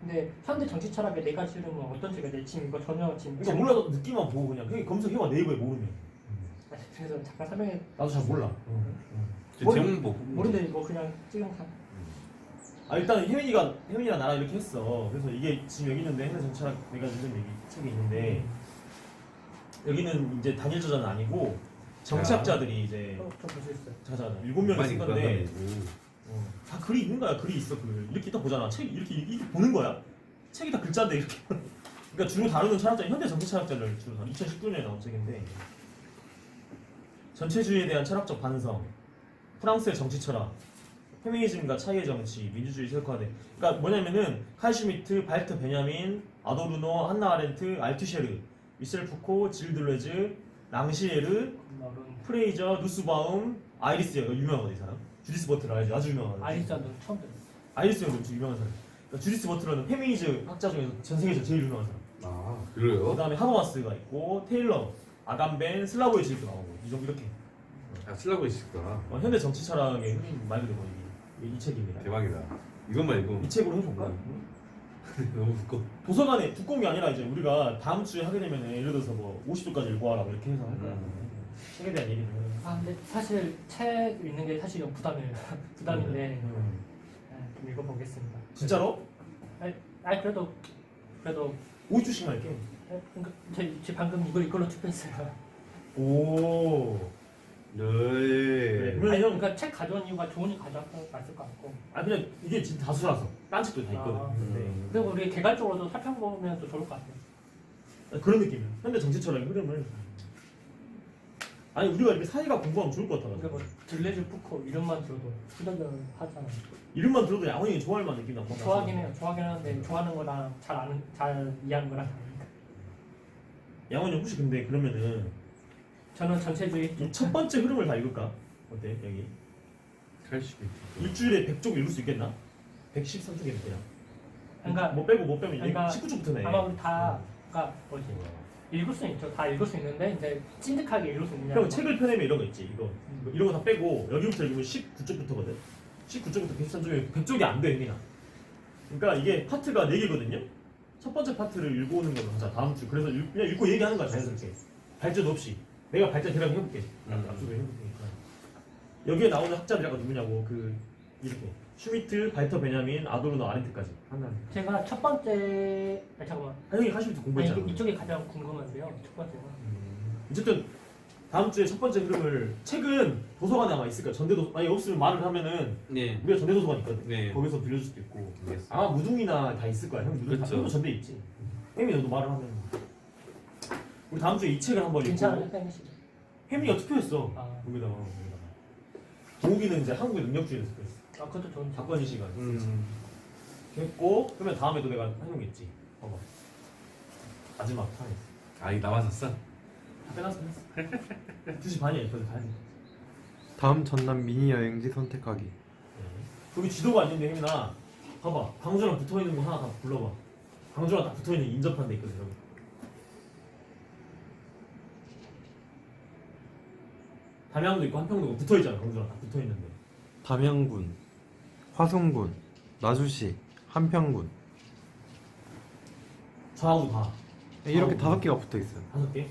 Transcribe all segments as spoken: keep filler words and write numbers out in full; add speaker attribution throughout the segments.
Speaker 1: 근데 현대 정치 철학에 네 가지 흐름은 어떤 책이야? 내 지금 이거 전혀 지금
Speaker 2: 그러니까 몰라도 느낌만 보고 그냥 그냥 검색해봐 네이버에 모르면.
Speaker 1: 아, 그래서 잠깐 설명해.
Speaker 2: 나도 잘 몰라.
Speaker 3: 제
Speaker 2: 모르-
Speaker 3: 제목 보고
Speaker 1: 모르는데 이거 그냥 찍은 사.
Speaker 2: 아 일단 혜민이가 혜민이랑 나랑 이렇게 했어. 그래서 이게 지금 여기 있는데 현대 정치 철학 내가 읽은 얘기 책이 있는데 여기는 이제 단일 저자는 아니고 정치학자들이 이제
Speaker 1: 어, 좀 볼 수 있어요.
Speaker 2: 자자 일곱 명이 쓴 건데
Speaker 3: 음.
Speaker 2: 어, 다 글이 있는 거야. 글이 있어. 글 이렇게 딱 보잖아. 책 이렇게 이렇게 보는 거야. 책이 다 글자인데 이렇게. 그러니까 주로 다루는 철학자 현대 정치 철학자를 주로 다루. 이천십구 년에 나온 책인데 전체주의에 대한 철학적 반성, 프랑스의 정치 철학, 페미니즘과 차이의 정치, 민주주의 세력화대. 그러니까 뭐냐면은 칼 슈미트, 발트 베냐민, 아도르노, 한나 아렌트, 알투셰르, 미셸 푸코, 질 들레즈, 랑시에르,
Speaker 1: 마룬.
Speaker 2: 프레이저, 누스바움, 아이리스 이거 유명하거든 이 사람. 주디스 버틀러 알지? 아주 유명하거든.
Speaker 1: 아리스는 처음 들어.
Speaker 2: 아이리스 형도 엄청 유명한 사람. 그러니까 주디스 버틀러는 페미니즘 학자 중에서 전 세계에서 제일 유명한 사람.
Speaker 3: 아 그래요?
Speaker 2: 그 다음에 하버마스가 있고 테일러, 아감벤, 슬라보의 질도 나오고 이 정도 이렇게.
Speaker 3: 아 쓰려고 있을까?
Speaker 2: 어, 현대 정치 철학의 흐름 말 그대로 이, 이 책입니다.
Speaker 3: 대박이다. 이것만 읽으면
Speaker 2: 이 책으로 해볼까?
Speaker 3: 너무 두꺼.
Speaker 2: 도서관에 두꺼운 게 아니라 이제 우리가 다음 주에 하게 되면 예를 들어서 뭐 오십 도까지 읽어와라 뭐 이렇게 해서 할 거야.
Speaker 3: 음.
Speaker 2: 책에 대한 얘기를.
Speaker 1: 아 근데 사실 책 읽는 게 사실 좀 부담이에요. 부담인데
Speaker 2: 음.
Speaker 1: 네, 좀 읽어보겠습니다.
Speaker 2: 진짜로?
Speaker 1: 아니, 아니 그래도 그래도
Speaker 2: 오십 주씩만 할게.
Speaker 1: 네, 그러니까 제, 제 방금 이걸 이걸로 투표했어요.
Speaker 2: 오.
Speaker 3: 네.
Speaker 2: 그러면
Speaker 1: 아니,
Speaker 2: 형,
Speaker 1: 그러니까 책 가져온 이유가 좋으니까 가져왔을 것 같고.
Speaker 2: 아 그냥 이게 진짜 다수라서 딴 책도 다 있거든.
Speaker 1: 아.
Speaker 2: 음.
Speaker 1: 그리고 우리 개괄적으로도 살펴보면 또 좋을 것 같아요.
Speaker 2: 네. 그런 느낌이야. 현대 정치 철학의 흐름을. 아니 우리가 이렇게 사회가 공부하면 좋을 것
Speaker 1: 그러니까 뭐
Speaker 2: 같아가지고.
Speaker 1: 들레즈 푸코 이름만 들어도 후덜덜 하잖아요.
Speaker 2: 이름만 들어도 양원이 좋아할 만한 느낌 나고.
Speaker 1: 좋아하긴 해요. 좋아하긴 하는데 좋아하는 거랑 잘 아는 잘 이해하는 거랑 다르니까.
Speaker 2: 양원이 혹시 근데 그러면은
Speaker 1: 저는 전체주의
Speaker 2: 이 첫 번째 흐름을 다 읽을까? 어때 여기?
Speaker 3: 할 수도 있지.
Speaker 2: 일주일에 백 쪽 읽을 수 있겠나? 백십삼 쪽이면 되나?
Speaker 1: 그러니까
Speaker 2: 뭐 빼고 뭐 빼면
Speaker 1: 그러니까
Speaker 2: 십구 쪽부터네.
Speaker 1: 아마 우리 다 그러니까 뭐지 읽을 수는 있죠. 다 읽을 수 있는데 이제 찐득하게 읽을 수 있느냐.
Speaker 2: 형 책을 펴내면 이런 거 있지. 이거
Speaker 1: 음.
Speaker 2: 이런 거 다 빼고 여기부터 읽으면 십구 쪽부터거든. 십구 쪽부터 백십삼 쪽에 백 쪽이 안 돼, 혜민아. 그러니까 이게 파트가 네 개거든요. 첫 번째 파트를 읽어오는 걸로 하자. 다음 주. 그래서 읽, 그냥 읽고 얘기하는 거야 자연스럽게. 발전 없이. 내가 발전 대략 해볼게.
Speaker 3: 음.
Speaker 2: 앞쪽에 해볼 테니까. 여기에 나오는 학자들이 아까 누구냐고 그 이렇게 슈미트, 발터 베냐민, 아도르노, 아렌트까지 하나.
Speaker 1: 제가 첫 번째 아니 잠깐만
Speaker 2: 아, 형이 하시부터
Speaker 1: 아니,
Speaker 2: 공부했잖아.
Speaker 1: 이게 이쪽이 가장 궁금한데요. 첫 번째가
Speaker 2: 음. 어쨌든 다음 주에 첫 번째 흐름을 책은 도서관에 아마 있을 거야. 전대도 아니 없으면 말을 하면은
Speaker 3: 네.
Speaker 2: 우리가 전대 도서관 있거든.
Speaker 3: 네.
Speaker 2: 거기서 빌려줄 수도 있고.
Speaker 3: 알겠습니다.
Speaker 2: 아마 무등이나 다 있을 거야. 형 무등 다
Speaker 3: 그쵸.
Speaker 2: 형도 전대 있지. 혜미 너도 말을 하면. 우리 다음 주에 이 책을 한번
Speaker 1: 괜찮아요,
Speaker 2: 읽고.
Speaker 1: 혜미 씨.
Speaker 2: 혜미가 투표했어.
Speaker 1: 아.
Speaker 2: 여기다가. 여기다가. 도우기는 이제 한국의 능력주의를 투표했어.
Speaker 1: 아 그것도 좋은 책.
Speaker 2: 박건희 씨가.
Speaker 3: 음.
Speaker 2: 했고 그러면 다음에도 내가 해놓겠지. 봐봐. 마지막 타임.
Speaker 3: 아 이거 남았었어?
Speaker 2: 다 빼놨어. 빼놨어. 두 시 반이야. 이거는 가야 돼.
Speaker 4: 다음 전남 미니 여행지 선택하기.
Speaker 2: 여기 지도가 있는데 혜민아 봐봐 광주랑 붙어있는 거 하나 다 불러봐. 광주랑 다 붙어있는 인접한 데 있거든 여기. 담양도 있고 한평도 있고 붙어있잖아. 광주랑 다 붙어있는데
Speaker 4: 담양군, 화성군, 나주시, 한평군.
Speaker 2: 좌우 다
Speaker 4: 이렇게
Speaker 2: 어.
Speaker 4: 다섯 개가 붙어 있어요.
Speaker 2: 다섯 개.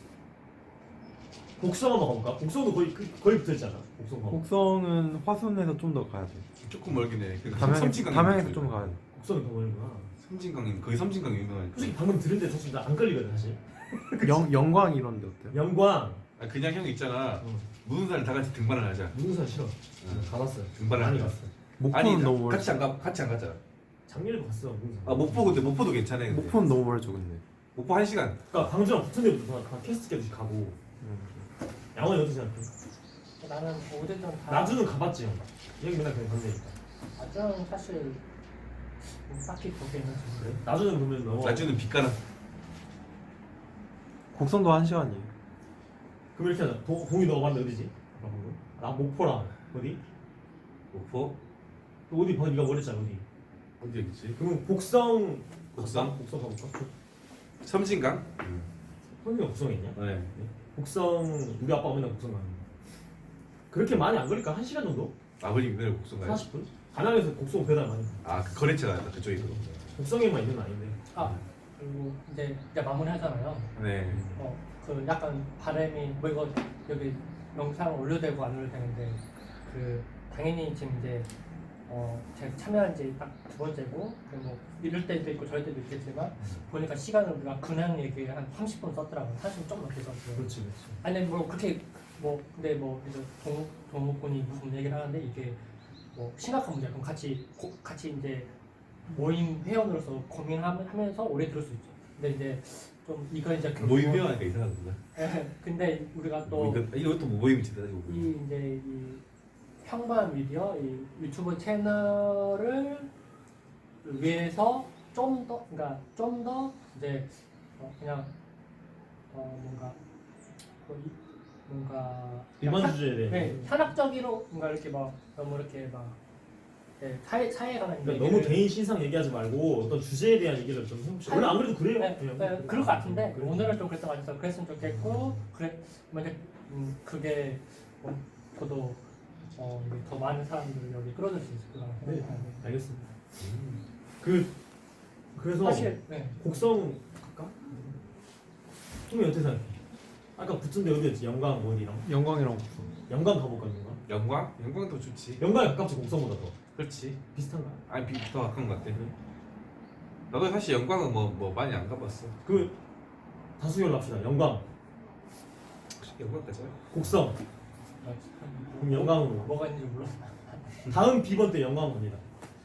Speaker 2: 곡성 한번 가볼까? 곡성도 거의 그- 거의 붙어있잖아. 곡성 가.
Speaker 4: 곡성은 화순에서 좀 더 가야 돼.
Speaker 3: 조금 멀긴 해. 그
Speaker 4: 담양,
Speaker 3: 섬진강
Speaker 4: 담양에서 좀 가야 돼.
Speaker 2: 곡성이 더 멀구나.
Speaker 3: 섬진강이 거의 섬진강 유명하니까.
Speaker 2: 솔직히 방금 들은데 사실 나 안 걸리거든 사실.
Speaker 4: 영, 영광 이런 데 어때요?
Speaker 2: 영광.
Speaker 3: 아 그냥 형 있잖아.
Speaker 2: 어.
Speaker 3: 무슨 살 다 같이 등반을 하자.
Speaker 2: 무등산 싫어.
Speaker 3: 응.
Speaker 2: 가봤어요.
Speaker 3: 등반을
Speaker 2: 많이
Speaker 3: 하자.
Speaker 2: 갔어.
Speaker 4: 목포는
Speaker 3: 아니
Speaker 4: 너무 멀
Speaker 3: 같이 안 가, 같이 안 갔잖아.
Speaker 2: 작년에도 갔어. 무등산.
Speaker 3: 아 목포 근데 목포도 괜찮아. 근데.
Speaker 4: 목포는 너무 멀죠 근데.
Speaker 3: 목포 한 시간.
Speaker 2: 그러니까 광주랑 붙은 데부터 다, 다 캐스트 깨듯이 가고.
Speaker 4: 음.
Speaker 2: 양원이 어떻게 생각해?
Speaker 1: 나는 어쨌든 다.
Speaker 2: 나주는 가봤지 형. 여기 맨날 그냥 간다니까.
Speaker 1: 나주는 사실 뭐 딱히 거기에는 좀
Speaker 2: 그래? 나주는 그러면 넘어.
Speaker 3: 나주는 빛가람.
Speaker 4: 곡성도 한 시간이에요.
Speaker 2: 그럼 이렇게 하자. 도, 동이 너가 봤는데 어디지? 아까 방금? 나 목포랑 어디?
Speaker 3: 목포?
Speaker 2: 또 어디 봐? 네가 뭐랬잖아 어디?
Speaker 3: 어디 있지?
Speaker 2: 그러면 곡성.
Speaker 3: 곡성?
Speaker 2: 갔다? 곡성 가볼까?
Speaker 3: 섬진강?
Speaker 2: 형이가 곡성에 있냐?
Speaker 3: 네.
Speaker 2: 곡성 우리 아빠가 맨날 곡성 가는 거. 그렇게 많이 안 걸릴까? 한 시간 정도?
Speaker 3: 아버님 맨날 곡성 가요?
Speaker 2: 사십 분? 가나에서 곡성 배달 많이. 가.
Speaker 3: 아 그 거래처가 있다 그쪽에 있거든.
Speaker 2: 곡성에만 있는 건 아닌데.
Speaker 1: 아 그리고 이제 이제 마무리하잖아요.
Speaker 3: 네.
Speaker 1: 어, 그 약간 바람이 뭐 이거 여기 영상 올려도 되고 안 올려도 되는데 그 당연히 지금 이제 어 제가 참여한 지 딱 두 번째고 그뭐 이럴 때도 있고 저럴 때도 있겠지만 보니까 시간을 우리가 그냥 얘기 한 삼십 분 썼더라고요. 사실 좀 넘게 썼어요.
Speaker 2: 그렇지 그렇지.
Speaker 1: 아니 뭐 그렇게 뭐 근데 뭐 이제 동욱 동욱군이 무슨 얘기를 하는데 이게 뭐 심각한 문제야. 그럼 같이 고, 같이 이제 모임 회원으로서 고민하면서 오래 들을 수 있죠. 근데 이제 좀 이거 이제 그
Speaker 3: 모임 회원하니까 이상하구나.
Speaker 1: 예, 근데 우리가 또
Speaker 3: 뭐 이거- 이것도 뭐 모임이지 가지고.
Speaker 1: 이 이제 이 평범한 미디어, 이 유튜브 채널을 위해서 좀 더, 그러니까 좀 더 이제 어 그냥 어 뭔가 뭐 이- 뭔가
Speaker 2: 일반
Speaker 1: 현-
Speaker 2: 주제에 대해.
Speaker 1: 네, 현학적으로 뭔가 이렇게 막 너무 이렇게 막 네, 사회 사회에 관한
Speaker 2: 그러니까 너무 개인 신상 얘기하지 말고 어떤 주제에 대한 얘기를 좀 해봅시다. 원래 안 그래도 그래요.
Speaker 1: 네,
Speaker 2: 그냥.
Speaker 1: 네, 그럴 것 같은데
Speaker 2: 그래요.
Speaker 1: 오늘은 좀 그랬던 것 같아서 그랬으면 좋겠고 그래 만약 음, 그게 뭐, 저도 어, 이게 더 많은 사람들을 여기 끌어들 수 있을 거라고
Speaker 2: 네,
Speaker 1: 생각하고
Speaker 2: 알겠습니다. 그 그래서
Speaker 1: 사실 네.
Speaker 2: 곡성 갈까? 형이 어떻게 생각해? 아까 붙은데 어디였지? 영광 뭐 어디랑?
Speaker 4: 영광이랑 국성.
Speaker 2: 영광 가볼까 영광?
Speaker 3: 영광? 영광도 좋지.
Speaker 2: 영광이 가깝지 곡성보다 더
Speaker 3: 그렇지.
Speaker 2: 비슷한가?
Speaker 3: 아니 비- 더 가까운 것 같아. 나도 사실 영광은 뭐, 뭐 많이 안 가봤어.
Speaker 2: 그 다수결로 합시다. 영광,
Speaker 3: 혹시 영광까지?
Speaker 2: 곡성.
Speaker 1: 아,
Speaker 2: 그럼 영광으로.
Speaker 1: 뭐가 있는지 몰랐어.
Speaker 2: 다음 비번 때 영광 갑니다.